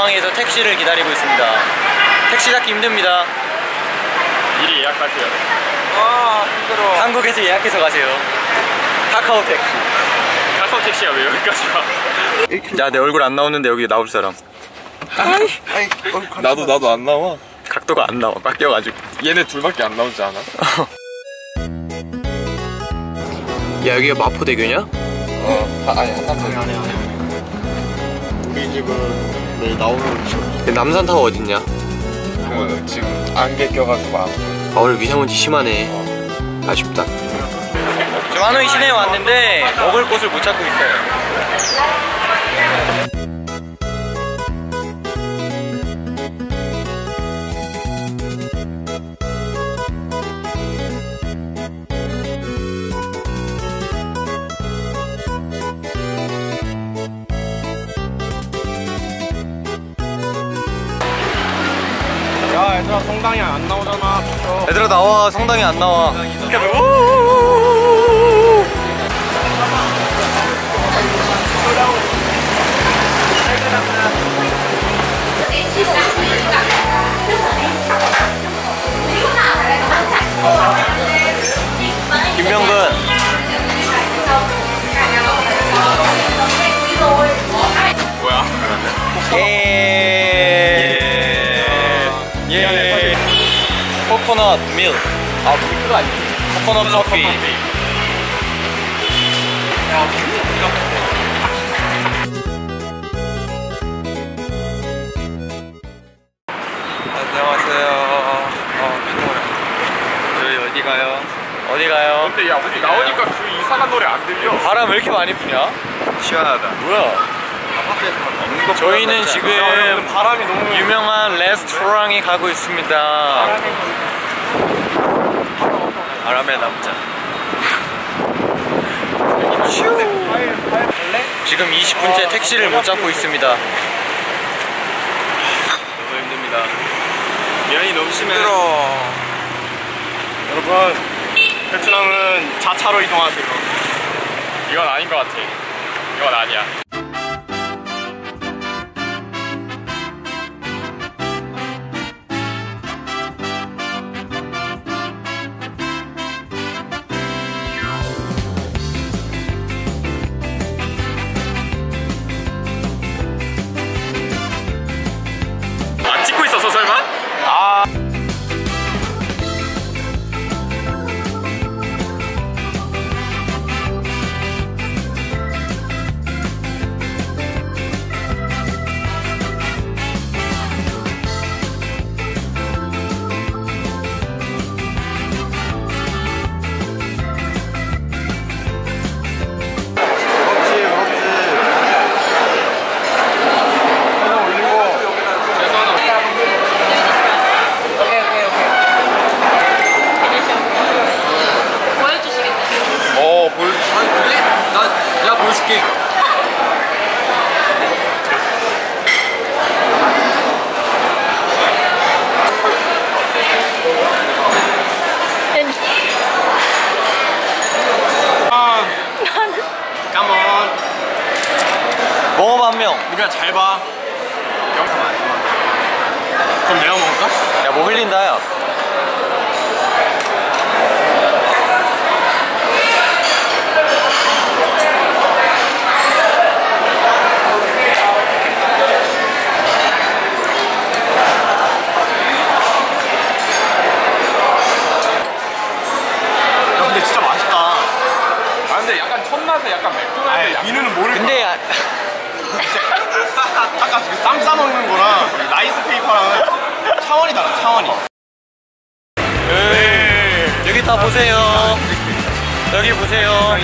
공항에서 택시를 기다리고 있습니다. 택시 잡기 힘듭니다. 미리 예약하세요. 아 힘들어. 한국에서 예약해서 가세요. 카카오 택시. 카카오 택시가 왜 여기까지 와? 야, 내 얼굴 안 나오는데 여기 나올 사람. 나도 안 나와. 각도가 안 나와. 깎여가지고. 얘네 둘밖에 안 나오지 않아? 야, 여기가 마포대교냐? 아니 한남동. 우리 집은 내일 나오는 남산타워 어딨냐? 그 지금 안개 껴가지고 안 보여. 오늘 미세먼지 심하네. 아쉽다. 지금 하노이 시내에 왔는데 먹을 곳을 못 찾고 있어요. 야 얘들아 성당이 안 나오잖아. 얘들아 나와. 성당이 안 나와. 김명근. 뭐야? 예. 코코넛 밀. 아, 밀크가 아니지. 코코넛 커피. 안녕하세요. 저희 어디 가요? 어디 가요? 근데 야 우리 나오니까 그 이상한 노래 안 들려. 바람 왜 이렇게 많이 부냐? 시원하다. 뭐야? 저희는 지금 바람이 너무 유명한 레스토랑에 가고 있습니다. 바람의 남자. 지금 20분째 택시를 못 잡고 있습니다. 너무 힘듭니다. 미안이 너무 심해. 여러분 베트남은 자차로 이동하세요. 이건 아닌 것 같아. 이건 아니야. 안 찍고 있었어 설마? 아. 먹어봐 한 명. 우리가 잘 봐. 영상 안 좋아. 그럼 내가 먹을까? 야, 뭐 흘린다 야. 근데 진짜 맛있다. 아 근데 약간 첫맛에 약간 맥도날드 민우는 모를 근데 거야. 아까 그 쌈 싸먹는 거랑 라이스 페이퍼랑은 차원이 달라. 차원이. 여기 다 보세요. 여기 보세요.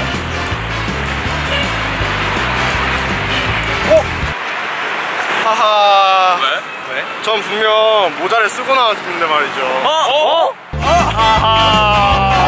하하. 왜? 전 분명 모자를 쓰고 나왔는데 말이죠. 하하.